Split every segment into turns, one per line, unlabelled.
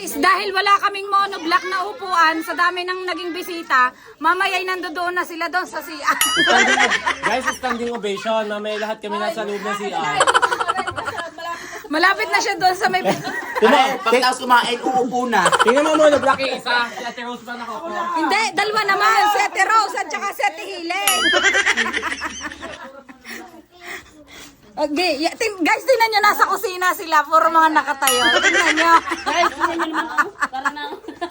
Guys, dahil wala kaming monoblock na upuan, sa dami ng naging bisita, mamaya'y nandoon na sila doon sa CR.
Guys, standing ovation. Mamaya lahat kami nasa loob ng CR.
Malapit na siya doon sa may...
Pagkatapos kumain, uupo na.
Tingnan mo muna, Black isa. Si Ate Rose pa nakaupo.
Hindi, dalawa naman. Si Ate Rose at saka si Ate Helen. Okay, guys, tingnan nyo, nasa kusina sila. Puro mga nakatayo. Tingnan nyo.
Guys, tingnan nyo naman ako. Para na.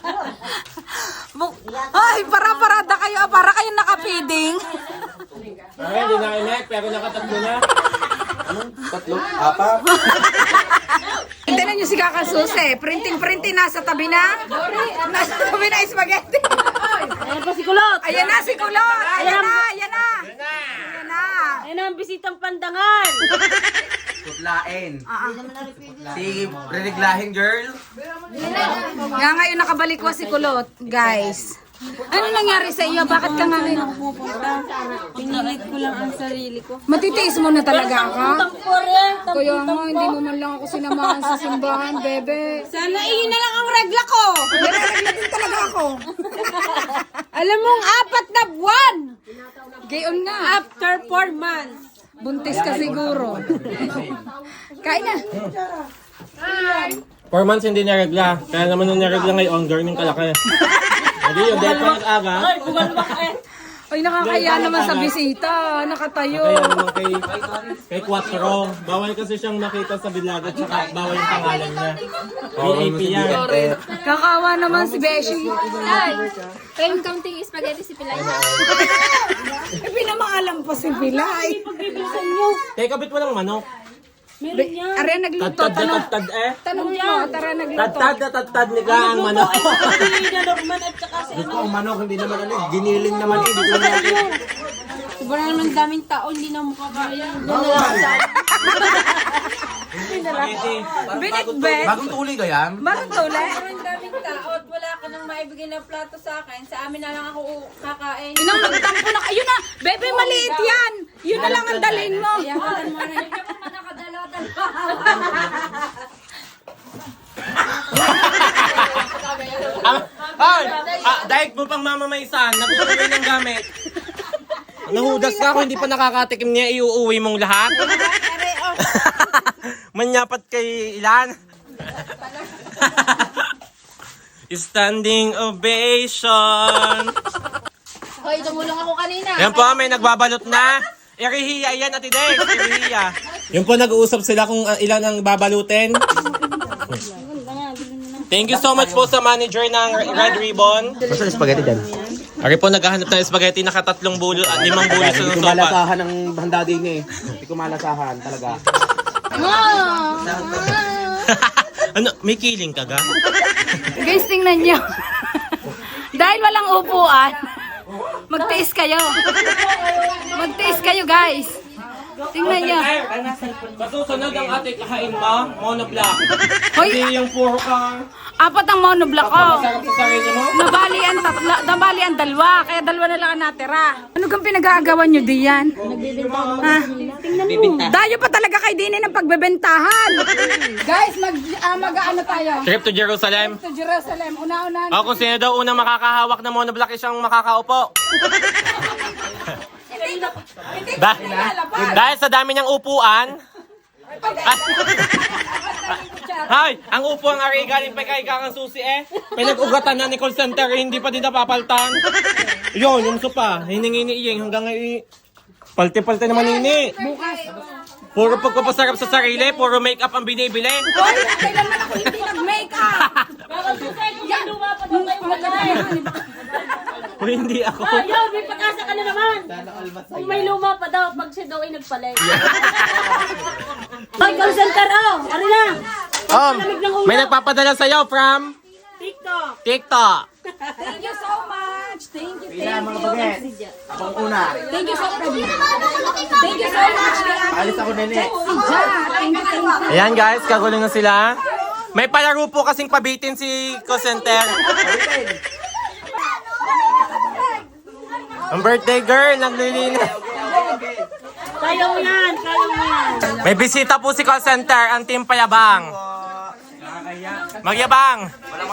Ay, para-parada kayo. Para kayo nakapiding.
Ay, hindi na inek, pero nakatatlo na.
Tatlo, apat.
Tingnan nyo si Kakasusi. Printing-printing nasa tabi na. Nasa tabi na spaghetti.
Ayan pa si Kulot.
Ayan na si Kulot. Ayan na, ayan na. Ayan na.
Ayan ang bisitang pandangan.
Tutlain. Si Reneglahin girl.
Nga ngayon nakabalik si Kulot, guys. Ano nangyari sa iyo? Bakit ka nga ngayon
Pinilit ko lang ang sarili ko.
matitiis mo na talaga ako?
Tampore.
Kaya nga, hindi mo man lang ako sinamahan sa simbahan, bebe.
Sana iyon na lang ang regla ko.
Nire-regla din talaga ako.
Alam mong 4 na buwan.
Gayon nga.
After 4 months.
Buntis ka siguro. Kain na.
4 months hindi niregla. Kaya naman nung niregla ngayon, girl ng kalaki. Hindi yun, dahil pa nag-aga.
Ay, buwan ba kayo?
Ay, nakakaya naman sa bisita. Nakatayo.
Kaya naman kay Quattro. Bawal kasi siyang makita sa bilaga, tsaka bawal yung pangalan niya. PAP yan.
Kakawa naman si Beshi.
Ay, kayong counting spaghetti si Pilay na.
Pinamaalam pa si Pilay.
Pagbibisan nyo.
Kaya kabit mo lang manok.
Meron yan.
Are nagluto.
Tad-tad na tad-tad eh.
Tanong mo, tara nagluto.
Tad-tad na tad-tad ni ka ang manok.
Ay, na Norman at saka si
Gusto kong manok, hindi naman ano, giniling naman eh. Dito naman.
Sobrang naman daming tao, hindi na makakaya.
Spaghetti.
Binitbet.
Bagong tuli ka yan?
Bakit tuli?
Sobrang daming tao at wala ka nang maibigay na plato sa akin. Sa amin na lang ako kakain.
Yun ang magtampo na. Ayun na, bebe, maliit yan. Yun na lang ang dalhin mo.
Ay! Daig mo pang mamamaysan. Nag-uwi ng gamit. Nahudas ka ako, hindi pa nakakatikim niya, iuuwi mong lahat. Manyapat kay ilan? Standing ovation.
Hoy, tumulong ako kanina.
Yan po, may nagbabalot na. Irihiya yan, Ate Dex. Irihiya. Yun po, nag-uusap sila kung ilan ang babalutin. Thank you so much po sa manager ng Red Ribbon.
Basta spaghetti dyan.
Ari po, naghahanap ng spaghetti, nakatatlong bulo at 5 bulo sa
Hindi ko
sopa.
malasahan ng handa din eh. Hindi ko malasahan talaga.
Ano, may kiling ka ga?
Guys, tingnan nyo. Dahil walang upuan, magtiis kayo. Magtiis kayo, guys. Tingnan nyo.
Sa susunod ang ating kahain mo, monoblock.
Hoy,
Hindi yung puro ka.
4 ang monoblock ko.
Masarap sa sarili mo.
Nabali ang 2, kaya 2 na lang ang natira. Ano kang pinag-aagawan nyo diyan? Ha? Dayo pa talaga kay Dini ng pagbebentahan. Guys, mag-ano tayo?
Trip to Jerusalem.
To Jerusalem. Una-una.
O kung sino daw unang makakahawak ng monoblock, isang makakaupo. Dahil sa dami niyang upuan. Hay, ang upo ang ari galing pa kay Kakang Susi eh. Pinag-ugatan na ni call center, hindi pa din napapaltan. Yun, yung sopa, hiningi ni Iyeng hanggang ngayon. Palte-palte naman ini. Puro pagpapasarap sa sarili, puro make-up ang binibili.
Hoy, kailanman ako hindi nag-makeup.
O hindi ako.
Ayaw, may pag-asa ka na naman. Kung may luma pa daw, pag siya daw ay nagpalit. Ay, call center, oh. Ari na.
May nagpapadala sa'yo from
TikTok.
TikTok.
Thank you so much. Thank you,
Pila
thank
mga
you.
baget. Akong una.
Thank you so much. Thank you so much.
Alis ako nene.
Thank you.
Ayan guys, kagulo na sila. May palaro po kasing pabitin si call center. Ang birthday girl, naglilinis.
Kaya mo yan, kaya mo yan.
May bisita po si call center, ang team Payabang. Magyabang!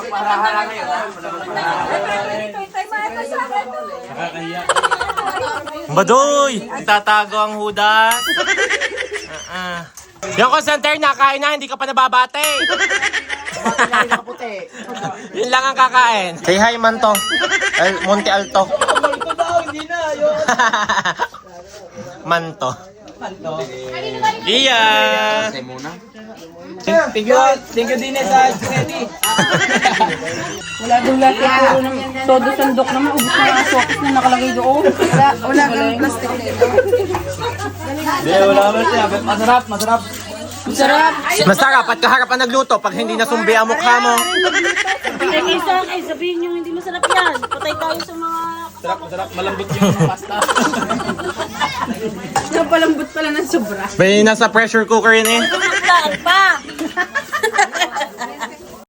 Badoy! Tatago ang hudas. Yung call center, nakain na, hindi ka pa nababate. Yun lang ang kakain. Say hi, Manto. Monte Alto. Manto. Iya!
Thank you din sa spaghetti.
Wala daw lahat siguro ng todo sandok naman. Ubus na ang sokis na nakalagay doon. Wala kang plastic dito.
Wala naman siya. Masarap.
Masarap.
Masarap at kaharap ang nagluto pag hindi nasumbi ang mukha mo.
Kaysa sabihin nyo hindi masarap yan. Patay tayo sa mga...
Masarap. Malambot yung pasta.
Napalambot pala ng sobra.
May nasa pressure cooker yun eh.
Saan pa?